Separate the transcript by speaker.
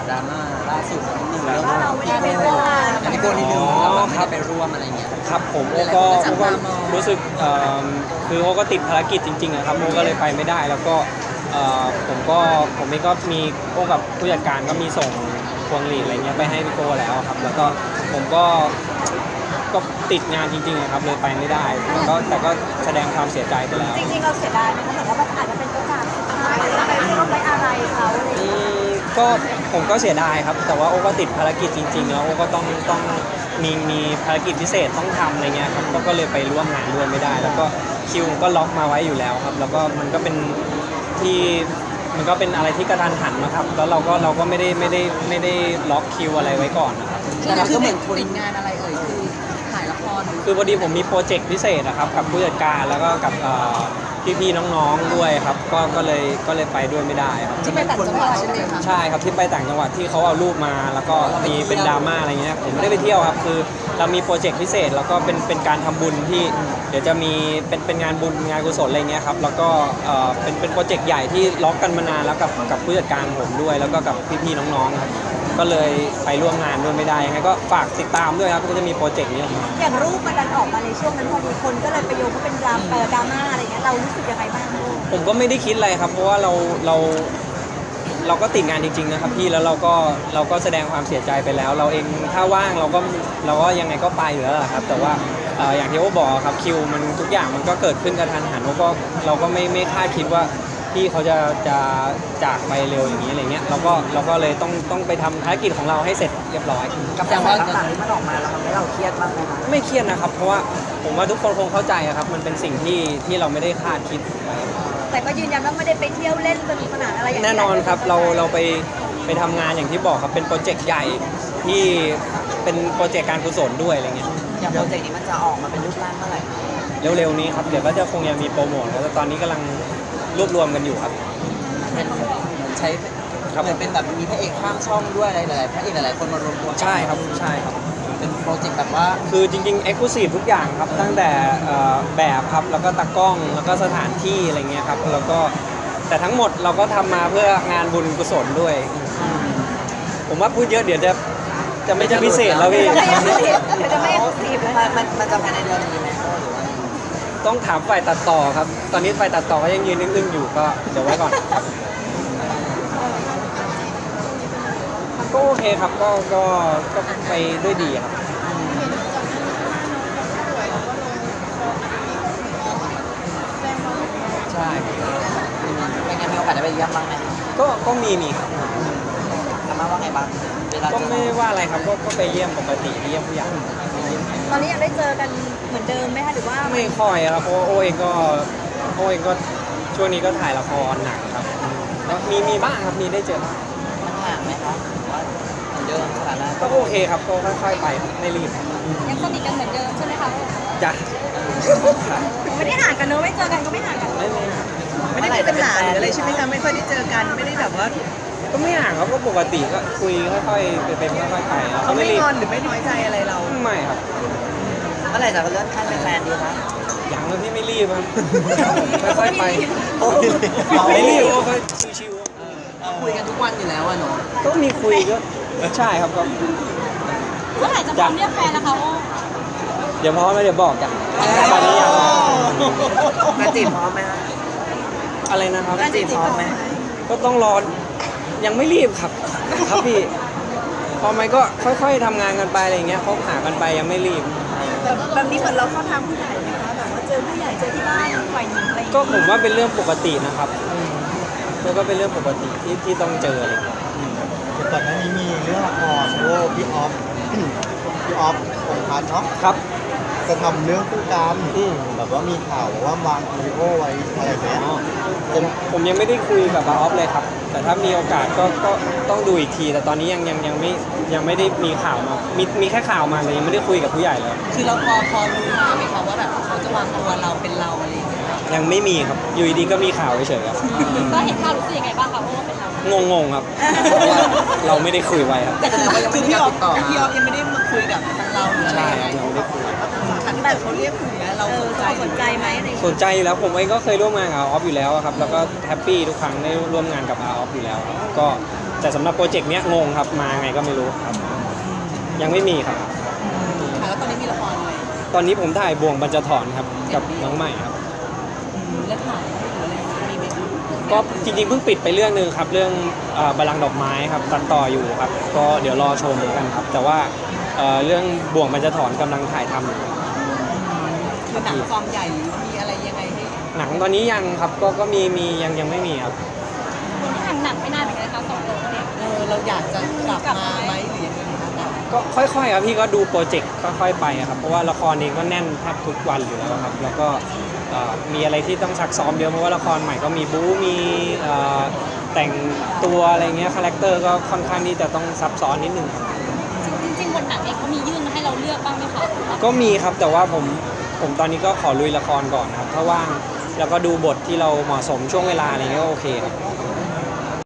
Speaker 1: ดราม่าล่าสุดนิดนึงเรื่อง
Speaker 2: ว่าเราไม่ได้ไปร่วมงาน
Speaker 1: อันนี้โกนิดนึงเราไม่ได้ไปร่วมอะไรเงี้ย
Speaker 3: ครับผมโอก็รู้สึกคือโอก็ติดภารกิจจริงๆอะครับโอก็เลยไปไม่ได้แล้วก็ผมเองก็มีโอกับผู้จัดการก็มีส่งพวงหลีดอะไรเงี้ยไปให้พี่โก้แล้วครับแล้วก็ผมก็ติดงานจริงๆครับเลยไปไม่ได้แต่ก็แสดงความเสียใจไปแล้ว
Speaker 2: จริงๆเราเสียดายนะคะแต่ว่ามันอาจจะเป็นโอกาสสุดท้ายเราไปร่วมไว้อะไรเขาอะไรอย่างเงี้ย
Speaker 3: ก็ผมก็เสียดายครับแต่ว่าโอก็ติดภารกิจจริงๆแล้วโอก็ต้องมีภารกิจพิเศษต้องทำอะไรเงี้ยครับก็เลยไปร่วมงานด้วยไม่ได้ แล้วก็คิวก็ล็อกมาไว้อยู่แล้วครับแล้วก็มันก็เป็นอะไรที่กระทันหันนะครับแล้วเราก็ไม่ได้ล็อกคิวอะไรไว้ก่อนนะครับ
Speaker 1: แต่เราก็เหมือนติดงานอะไรคือถ่ายละคร
Speaker 3: คือพอดีผมมีโปรเจกต์พิเศษนะครับกับผู้จัดการแล้วก็กับพี่ๆน้องๆด้วยครับก็เลยไปด้วยไม่ได้ครับ
Speaker 1: ที่ไปต่างจังหวัดใช่ไหมคะ
Speaker 3: ใช่ครับที่ไปต่างจังหวัดที่เขาเอารูปมาแล้วก็มีเป็นดราม่าอะไรเงี้ยผมไม่ได้ไปเที่ยวครับคือเรามีโปรเจกต์พิเศษแล้วก็เป็นการทำบุญที่เดี๋ยวจะมีเป็นงานบุญงานกุศลอะไรเงี้ยครับแล้วก็เป็นโปรเจกต์ใหญ่ที่ล็อกกันมานานแล้วกับผู้จัดการผมด้วยแล้วก็กับพี่ๆน้องๆครับก็เลยไปร่วมงานด้วยไม่ได้ยังไงก็ฝากติดตามด้วยครับก็จะมีโปรเจกต์นี้ออกมา
Speaker 2: อย่างรูปมันดันออกมาในช่วงนั้นพอดีคนก็เลยไปโยงว่าเป็นดราม่าอะไรเงี้ยเรารู้สึกยังไงบ้างลูก
Speaker 3: ผมก็ไม่ได้คิดอะไรครับเพราะว่าเราก็ติดงานจริงๆนะครับพี่แล้วเราก็แสดงความเสียใจไปแล้ว เราเองถ้าว่างเราก็ยังไงก็ไปอยู่แล้วแหละครับแต่ว่าอย่างที่โอ้บอกครับคิวมันทุกอย่างมันก็เกิดขึ้นกระทันหันเราก็ไม่คาดคิดว่าพี่เขาจะจากไปเร็วอย่างนี้อะไรเงี้ยเราก็เลยต้องไปทำภารกิจของเราให้เสร็จเรียบร้อย
Speaker 1: กับแต่ว่าต่างๆที่มันออกมาแล้วทำให้เราเครียดบ้างไหมคะ
Speaker 3: ไม่เครียดนะครับเพราะว่าผมว่าทุกคนคงเข้าใจอะครับมันเป็นสิ่งที่เราไม่ได้คาดคิดไว้
Speaker 2: แต่ก็ยืนยันว่าไม่ได้ไปเที่ยวเล่นสนุกสนานอะไรอย่าง
Speaker 3: แน่นอนครับเราไปทำงานอย่างที่บอกครับเป็นโปรเจกต์ใหญ่ที่เป็นโปรเจกต์การกุศลด้วยอะไรเงี้ย
Speaker 1: อย่างโปรเจกต์นี้มันจะออกมาเป็นรูปร่างเมื่อไหร่
Speaker 3: เร็วๆนี้ครับเดี๋ยวก็จะคงยังมีโปรโมทแล้วแต่ตอนนี้กำลังรวบรวมกันอยู่ครับ
Speaker 1: เป็นเหมือนใช้
Speaker 3: ครับ
Speaker 1: เหมือนเป็นแบบมีพระเอกข้ามช่องด้วยอะไรหลายๆพระเอกหลายๆคนมารวมตัวกัน
Speaker 3: ใช่ครับใช่ครับ
Speaker 1: เป็นโปรเจกต์แบบว่า
Speaker 3: คือจริงๆ Exclusive ทุกอย่างครับตั้งแต่แบบครับแล้วก็ตากล้องแล้วก็สถานที่อะไรเงี้ยครับแล้วก็แต่ทั้งหมดเราก็ทำมาเพื่องานบุญกุศลด้วย ผมว่าพูดเยอะเดี๋ยวจะไม่จะพิเศษแล้วพี่
Speaker 2: จะไม่เอ็กซ์คลูซีฟเลย
Speaker 1: มันจะภายในเดือนนี้ไหมหรือว่า
Speaker 3: ต้องถามฝ่ายตัดต่อครับ ตอนนี้ฝ่ายตัดต่อก็ยังยืนอึ้งๆอยู่ก็เดี๋ยวไว้ก่อนครับก็โอเคครับก็ไปด้วยดีครับใช่ครับ
Speaker 1: เป็นไงมีโอกาสได้ไปเยี่ยมบ้างไหม
Speaker 3: ก็มีครับ
Speaker 1: อาม่าว่าไงบ้างเวลา
Speaker 3: ก็
Speaker 1: เจอ
Speaker 3: ไม่ว่าอะไรครับก็ไปเยี่ยมปกติเยี่ยมผู้ใหญ่
Speaker 2: ตอนนี้ยังได้เจอกันเหมือนเดิมไหมคะหรือว่า
Speaker 3: ไม่ค่อยครับเพราะว่าโอเองก็ช่วงนี้ก็ถ่ายละครหนักครับแล้วมีบ้างครับมีได้เจอบ้าง
Speaker 1: มันห่างไหมคะหรือว่าเหมือนเดิมสถานะ
Speaker 3: ก็โอเคครับก็ค่อยๆไปครับไม่รีบ
Speaker 2: ยังสนิทกันเหมือนเดิมใช่ไหมคะ
Speaker 3: จ้ะ
Speaker 2: ไม่ได้ห่างกันเนอะไม่เจอกันก็ไม่ห่างกัน
Speaker 3: ไม่ห่าง
Speaker 4: ไม่ได้มีปัญหาหรืออะไรใช่ไหมคะไม่ค่อยได้เจอกันไม่ได้แบบว่า
Speaker 3: ก็ไม่ห่างครับก็ปกติก็คุยค่อยๆเป็นค่อยๆไป
Speaker 4: เขาไม่
Speaker 3: รี
Speaker 4: ง
Speaker 3: บ
Speaker 4: อนหรือไม่น้อยใจอะไรเรา
Speaker 3: ไม่ครับ
Speaker 1: เมื่อไหร่จะเลื่อนขั้นเป็นแฟนดีคะ
Speaker 3: อย่างเลยพี่ไม่รีบครับค่อยๆไป
Speaker 1: โอ้ย
Speaker 3: ไม่รีบก็ค่อยชิว
Speaker 1: คุยกันทุกวันอยู่แล้วอะเนาะ
Speaker 3: ๆก็มีคุยก็ใช่ครับก็
Speaker 2: เมื่อไหร่จะพร้อมเรียกแฟนนะคะโอ้
Speaker 3: เดี๋ยวพร้อมแล้วเดี๋ยวบอกจ้ะตอนนี้ยัง
Speaker 1: มาจีบพร้อมไหมคะ
Speaker 3: อะไรนะครับ
Speaker 1: มาจีบพร้อมไหม
Speaker 3: ก็ต้องรอยังไม่รีบครับครับพี่พอไหมก็ค่อยๆทำงานกันไปอะไรเงี้ยคบหากันไปยังไม่รีบ
Speaker 4: แบบนี้เหมือนเราเข้าทางผู้ใหญ่ไหมคะแบบว่าเจอผู้ใหญ่เจอที่บ้านฝ่ายหญิงอะไรอย่าง
Speaker 3: ก็
Speaker 4: เงี้ย
Speaker 3: ผมว่าเป็นเรื่องปกตินะครับแล้วก็เป็นเรื่องปกติที่ต้องเจออะไรเงี้ย
Speaker 5: ก่อนหน้านี้มีเรื่องละครโอ้พี่ออฟ พี่ออฟพงษ์พัฒน์เนาะ
Speaker 3: ครับ
Speaker 5: จะทำเรื่องคู่กรรม
Speaker 3: อืม
Speaker 5: แบบว่ามีข่าวว่าวางวีดีโอไว้อะไรแบบเนี้ย
Speaker 3: ผมยังไม่ได้คุยกับบาออฟเลยครับ แต่ถ้ามีโอกาสก็ต้องดูอีกที แต่ตอนนี้ยังไม่ได้มีข่าวมามีแค่ข่าวมาแต่ยังไม่ได้คุยกับผู้ใหญ่เลย
Speaker 1: คือเราพอรู้มาไหมคะว่าแบบเขาจะวางตัวเราเป็นเราอะไรอย่างเงี้ย
Speaker 3: ยังไม่มีครับอยู่ดีๆก็มีข่าวเฉยๆครับ
Speaker 2: ก็เห็นข่าวรู้สึกยังไงบ้างคะเพราะว่าเป็นเรา
Speaker 3: งงๆครับเพราะว่าเราไม่ได้คุยไว้ครับ
Speaker 1: แต่แสดงว่ายัง
Speaker 4: คื
Speaker 1: ไม่
Speaker 4: อ
Speaker 1: ได้
Speaker 4: พี่อ
Speaker 1: กา
Speaker 4: อ
Speaker 1: ร
Speaker 4: ฟ
Speaker 1: ติดต่อ
Speaker 4: พี่ออฟยังไม่ได้มาคุยกับทางเราหรืออะไร
Speaker 3: ใช่ครับยังไม่ได้คุย
Speaker 4: แต่เขาเรียกคุยนะเราสนใจ
Speaker 2: สนใจไหมอะไรอย่าง
Speaker 3: ส
Speaker 2: เงี้ย
Speaker 3: นใจอยู่แล้วผมเองก็เคยร่วมงานกับอาออฟอยู่แล้วครับแล้วก็แฮปปี้ทุกครั้งได้ร่วมงานกับอาออฟอยู่แล้วครับก็แต่สำหรับโปรเจกต์เนี้ยงงครับมาไงก็ไม่รู้ครับยังไม่มีครับ
Speaker 1: ค่ะแล้วตอนนี้มีละครอะไร
Speaker 3: ตอนนี้ผมถ่ายบ่วงบรรจถอนครับกับน้องใหม่ครับ
Speaker 1: เลือกถ่ายหรืออะไรมีไหมคะ
Speaker 3: ก็จริงๆเพิ่งปิดไปเรื่องนึงครับเรื่องบัลลังก์ดอกไม้ครับตัดต่ออยู่ครับก็เดี๋ยวรอชมแล้วกันครับ แต่ว่าเรื่องบ่วงบรรจถอนกำลังถ่ายทำอยู่
Speaker 1: คือหนังฟอร์มใหญ่หรือมีอะไรยังไงให้
Speaker 3: หนังตอนนี้ยังครับก็มียังไม่มีครับ
Speaker 2: คนที่ทำหนังไม่นานเหมือนกันนะคะสองคนเนี่ย
Speaker 1: เราอยากจะกลับมาไหมหรือยังไงคะ
Speaker 3: ก็ค่อยๆครับพี่ก็ดูโปรเจกต์ค่อยๆไปครับเพราะว่าละครเองก็แน่นแทบทุกวันอยู่แล้วครับแล้วก็มีอะไรที่ต้องซักซ้อมเยอะเพราะว่าละครใหม่ก็มีบู๊มีแต่งตัวอะไรเงี้ยคาแรคเตอร์ก็ค่อนข้างที่จะต้องซับซ้อนนิดนึงครับ
Speaker 2: จริงๆบทหนังเองเขามียื่นมาให้เราเลือกบ้างไหมคะ
Speaker 3: ก็มีครับแต่ว่าผมตอนนี้ก็ขอลุยละครก่อนครับถ้าว่างแล้วก็ดูบทที่เราเหมาะสมช่วงเวลาอะไรเงี้ยก็โอเคครับ